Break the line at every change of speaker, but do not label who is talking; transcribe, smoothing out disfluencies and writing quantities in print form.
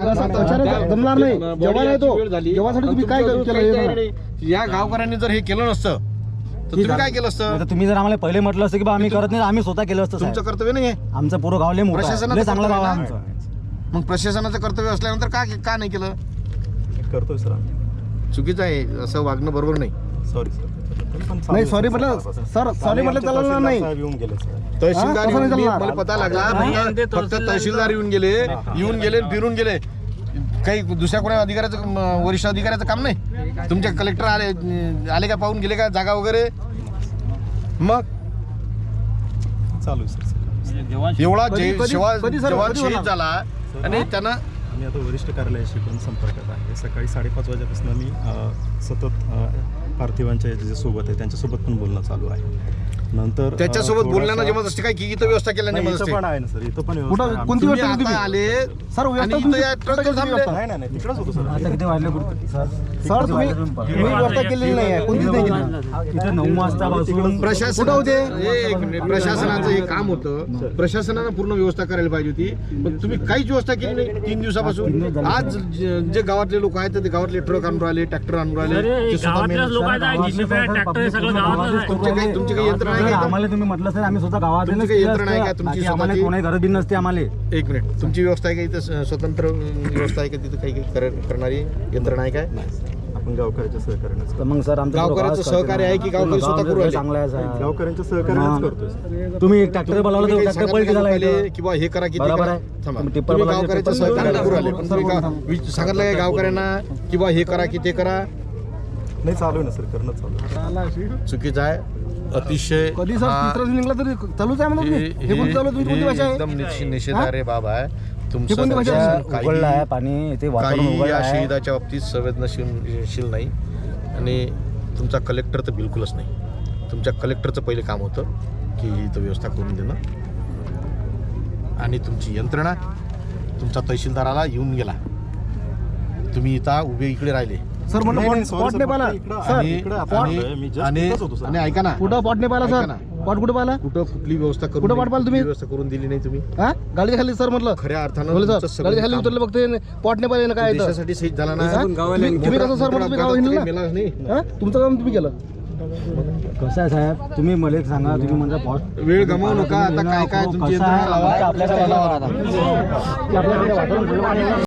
जमणार नाही जेव्हा नाही तो जेव्हासाठी तुम्ही काय केलं
या गावकऱ्यांनी जर हे केलं नसतं तर तुम्ही काय केलं असतं?
तुम्ही जर आम्हाला पहिले म्हटलं असतं की बा आम्ही करत नाही, आम्ही स्वतः केलं असतं.
तुमचं कर्तव्य नाही आहे.
आमचं पुरं गाव लय मोठं आहे, लय चांगलं गाव आहे आमचं.
मग प्रशासनाचं कर्तव्य असल्यानंतर का नाही केलं?
करतोय सर आम्ही.
चुकीचं आहे, असं वागणं बरोबर नाही.
Sorry sir.
नाही सॉरी म्हटलं सर, सॉरी म्हटलं चालणार नाही.
येऊन गेले सर.
तहसीलदार
कसं नाही
येऊन गेले,
चालणार?
मला पता लागला फक्त तहसीलदार येऊन गेले फिरून गेले. काही दुसऱ्या कोणा अधिकाऱ्याचं वरिष्ठ अधिकाऱ्याचं काम नाही. तुमचे कलेक्टर आले का पाहून गेले का जागा वगैरे? मग
चालू आहे सर.
एवढा
कधी सर,
जवान
कधी
शहीद
होणार?
झाला आणि त्यांना
आम्ही आता वरिष्ठ कार्यालयाशी पण संपर्कात आहे. सकाळी 5:30 वाजेपासून मी सतत पार्थिवांच्या जे सोबत आहे त्यांच्यासोबत पण बोलणं चालू आहे. नंतर
त्याच्यासोबत बोलण्यानं जमत असते काय की इथं व्यवस्था केल्याने जमत असते?
पण आहे ना सर, इथं पण
कुठं
व्यवस्था आहे.
कोणती
तुम्ही
व्यवस्था
आता
तुम्ही
आले
सर
आणि
व्यवस्था
इथं या ट्रकवर थांबले.
नाही तिकडंच होतो सर.
आता किती वाजले
सर तुम्ही व्यवस्था केलेली नाही आहे, कोणतीच नाही केली.
इथे 9 वाजतापासून
प्रशासन होते प्रशासनाचं हे काम होतं. प्रशासनानं पूर्ण व्यवस्था करायला पाहिजे होती, पण तुम्ही काहीच व्यवस्था केली नाही 3 दिवसापासून. आज जे गावातले लोक आहेत ते गावातले ट्रक आणून राहिले, ट्रॅक्टर आणून राहिले. तुमची काही यंत्रणा आहे का?
आम्हाला तुम्ही म्हटलं सर आम्ही स्वतः गावात
तुमची काही यंत्रणा आहे का? तुमची
आम्हाला
स्वतःची?
कोणाही गरज बी नसते आम्हाला.
एक मिनिट, तुमची व्यवस्था आहे का इथं? स्वतंत्र व्यवस्था आहे का तिथं? काही करणारी यंत्रणा आहे काय?
आपण गावकऱ्याच्या सहकार्यानेच
तर मग सर आमचं
गावकऱ्याचं सहकार्य आहे की गावकरी स्वतः करू राहिले?
चांगलं आहे सर.
गावकऱ्यांच्या सहकार्यानेच करतोय सर.
तुम्ही एक ट्रॅक्टर बोलावलं तर ट्रॅक्टर पलटी झाला इथं.
किंवा हे करा की ते
बरोबर
करा.
आहे.
थांबा.
तुम्ही टिप्पर
तुम्ही
बोलावलं,
गावकऱ्याचं
टिप्पर
सहकार्य
बोलावलं.
करू राहिले, पण तुम्ही सांगितलं काय गावकऱ्यांना किंवा हे करा की ते करा?
नाही चालू आहे ना सर, करणं चालू आहे.
चुकीचं आहे अतिशय.
कधी सर तिसरा निघला तरी चालूच आहे म्हणून हे कोणती चालू आहे? तुमची कोणती भाषा आहे?
एकदम निषेधार्ह बाब आहे.
कोणती भाषा
तुमचं
आहे?
उघडलं आहे पाणी इथे वातावरण
काही
उघडलं
या
आहे.
शहीदाच्या बाबतीत संवेदनशील नाही. आणि तुमचा कलेक्टर तर बिलकुलच नाही. तुमच्या कलेक्टरचं पहिले काम होतं की इथं व्यवस्था करून देणं. आणि तुमची यंत्रणा, तुमचा तहसीलदाराला येऊन गेला, तुम्ही इथं उभे इकडे राहिले.
सर म्हणलं पॉट नाही पाहिला सर.
आणि ऐका ना,
कुठं पॉट नाही पाहिला
ऐका
सर?
ना.
पॉट कुठे पाहिला?
कुठं कुठली व्यवस्था करून
कुठं पाठ पाहिलं तुम्ही?
व्यवस्था करून दिली नाही तुम्ही.
हा गाडीच्या खाली सर म्हटलं
खऱ्या अर्थानं
बोले
तुमचं
सर
सगळं
गाडीच्या खाली
काम
उतरले बघते पॉट नाही पाहिजे ना काय येतं?
देशासाठी शहीद झाला ना.
तुम्ही कसं सर म्हणलं तुम्ही गाव हिंडला?
मेला नाही.
हा? तुमचं काम तुम्ही केलं.
कसं आहे साहेब, तुम्ही मला एक सांगा, तुम्ही म्हणजे
वेळ गमावू नका. आता काय तुमची यंत्रणा लावा.
आपल्याकडे वातावरण